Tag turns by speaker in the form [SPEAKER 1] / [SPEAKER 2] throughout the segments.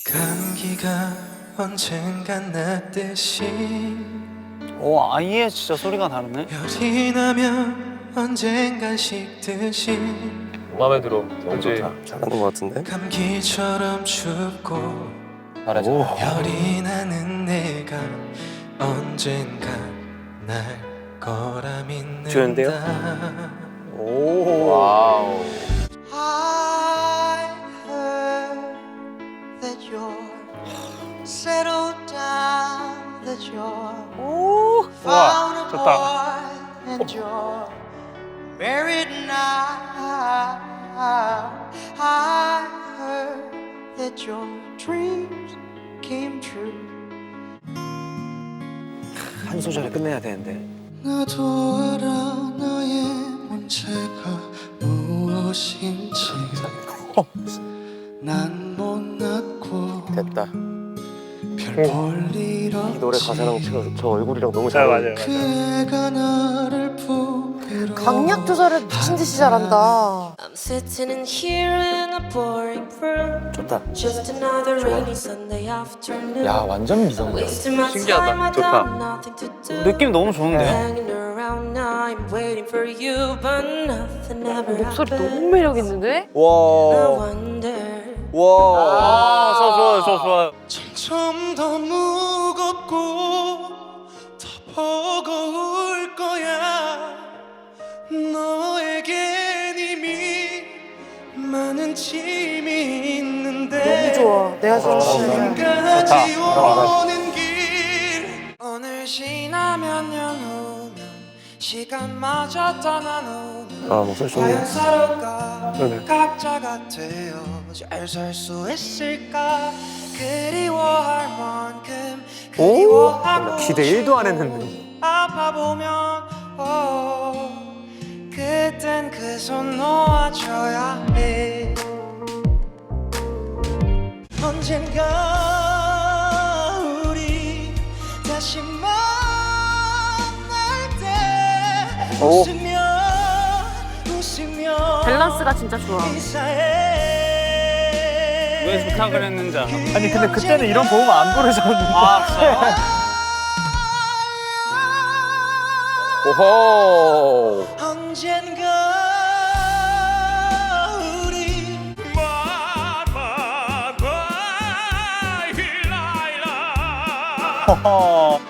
[SPEAKER 1] 감기가 언젠간 났듯이
[SPEAKER 2] 오, 아예 진짜 소리가 다르네.
[SPEAKER 1] 열이 나면 언젠간 식듯이
[SPEAKER 3] 마음에 들어.
[SPEAKER 4] 너무 좋다. 잘하는 것 같은데?
[SPEAKER 1] 감기처럼 춥고
[SPEAKER 3] 잘하자.
[SPEAKER 1] 열이 나는 내가 언젠가 날 거라 믿는다.
[SPEAKER 4] 좋은데요?
[SPEAKER 3] 오. 와우.
[SPEAKER 5] I heard that you're settled down, that you're found a boy and you're married now. I heard that your dreams came true.
[SPEAKER 4] 한 소절에 끝내야 되는데.
[SPEAKER 1] 나도 알아 너의 문제가 무엇인지. 난 못났고
[SPEAKER 4] 됐다.
[SPEAKER 1] 별볼일 없지.
[SPEAKER 4] 이 노래 가사랑 저 얼굴이랑 너무 잘 어울려.
[SPEAKER 1] 그 애가 나를 부비로
[SPEAKER 6] 강약 조절을 미친 듯이 잘한다.
[SPEAKER 7] I'm sitting in here in a boring room.
[SPEAKER 4] 좋다.
[SPEAKER 7] Just another rainy Sunday afternoon.
[SPEAKER 3] 야, 완전 미성.
[SPEAKER 7] Wasting my
[SPEAKER 3] 신기하다.
[SPEAKER 7] time, I
[SPEAKER 3] 좋다.
[SPEAKER 7] got nothing to do.
[SPEAKER 2] 느낌 너무 좋은데?
[SPEAKER 7] Hanging around now, I'm waiting for you, but nothing ever
[SPEAKER 6] 목소리
[SPEAKER 7] happened.
[SPEAKER 6] 너무 매력 있는데?
[SPEAKER 7] I
[SPEAKER 4] 와.
[SPEAKER 7] wonder.
[SPEAKER 4] 와.
[SPEAKER 2] 아, 저 좋아요, 저 좋아요.
[SPEAKER 1] 점점 더 무겁고 더 버거울 거야. 너에겐 이미 많은 짐이 있는데
[SPEAKER 6] 너무 좋아. 내가 좋아하는
[SPEAKER 1] 지금까지 오는 길
[SPEAKER 5] 오늘 지나면 년 후면 시간마저 떠나는
[SPEAKER 4] 아, 목소리 좋네.
[SPEAKER 5] 과연 서로가
[SPEAKER 4] 네네.
[SPEAKER 5] 각자가 되어 잘 살 수 있을까. 그리워할 만큼 그리워하고
[SPEAKER 4] 기대 1도 안 했는데.
[SPEAKER 5] 아파보면 그땐 그 손 놓아줘야 해. 언젠가 우리 다시 만날 때
[SPEAKER 4] 오.
[SPEAKER 5] 웃으며
[SPEAKER 6] 밸런스가 진짜 좋아.
[SPEAKER 2] 왜 부탁을 했는지 알아?
[SPEAKER 4] 아니 근데 그때는 이런 고음 안 부르셨는데.
[SPEAKER 2] 아, 진짜요?
[SPEAKER 4] 오호.
[SPEAKER 5] 언젠가 우리
[SPEAKER 2] 허허.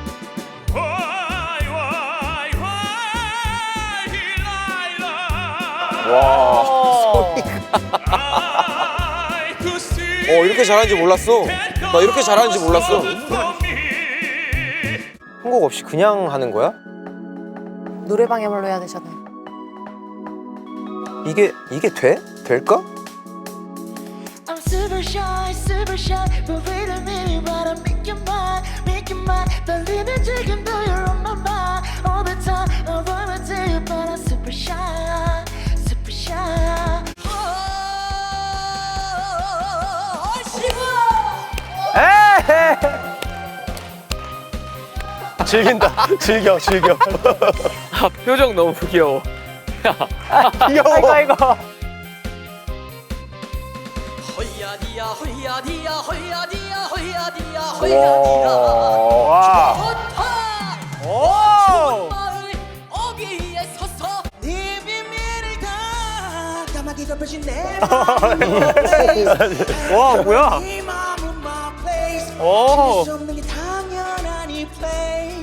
[SPEAKER 4] 와. 이렇게 잘하는지 몰랐어. 나 이렇게 잘하는지 몰랐어. 편곡 없이 그냥 하는 거야?
[SPEAKER 6] 노래방에말로 해야 되잖아요.
[SPEAKER 4] 이게 돼? 될까?
[SPEAKER 7] I'm super shy, but wait a minute, but I make you mine. 떨리는 지금도 you're on my mind all the time. I wanna tell you, but I'm super shy.
[SPEAKER 4] 즐긴다. 즐겨.
[SPEAKER 3] 아, 표정 너무 귀여워.
[SPEAKER 4] 귀여워. 아이고.
[SPEAKER 5] 호야디야 호야디야 호야디야 호야디야
[SPEAKER 4] 와.
[SPEAKER 2] 오!
[SPEAKER 5] 어귀에 서서 네 비밀을 다 까마귀 덮여진 내
[SPEAKER 2] 와, 뭐야?
[SPEAKER 5] 이 마음은 my place.
[SPEAKER 2] 오!
[SPEAKER 5] 수 없는 게 당연하니 play.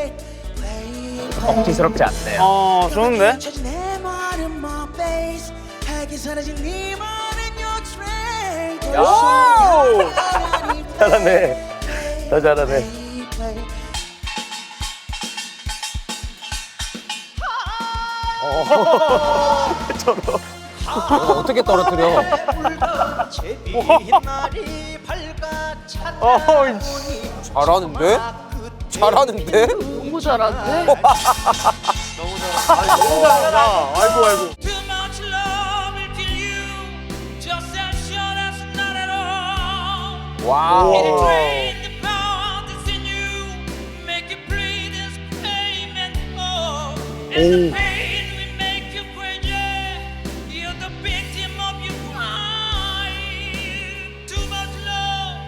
[SPEAKER 4] 억지스럽지 않네요.
[SPEAKER 2] 어, 좋은데?
[SPEAKER 5] 찾은 내 말은 my place. 하게 사라진 네 말은 your train.
[SPEAKER 4] 오! 잘하네. 더 잘하네. 어떻게 떨어뜨려? 잘하는데? 잘하는데?
[SPEAKER 6] 너무 잘하는데?
[SPEAKER 2] 너무 잘한다. 아이고.
[SPEAKER 5] Too much love will kill you. Just as sure as not at all.
[SPEAKER 4] 와우.
[SPEAKER 5] It'll drain the power that's in you. Make you breathe and scream and fall. And the pain will make you crazy. You're the victim of your crime. Too much love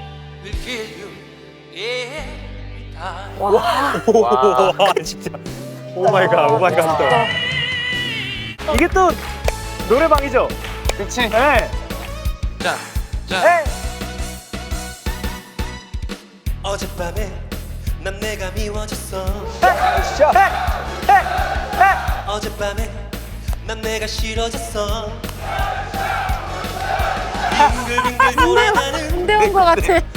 [SPEAKER 2] 와 진짜. 오 마이 갓, 오 마이 갓. 이게 또 노래방이죠?
[SPEAKER 3] 그치?
[SPEAKER 2] 네.
[SPEAKER 1] 어젯밤에 난 내가 미워졌어. 어젯밤에 난 내가 싫어졌어. 빙글빙글 돌아가는
[SPEAKER 6] 군대 온 거 같아.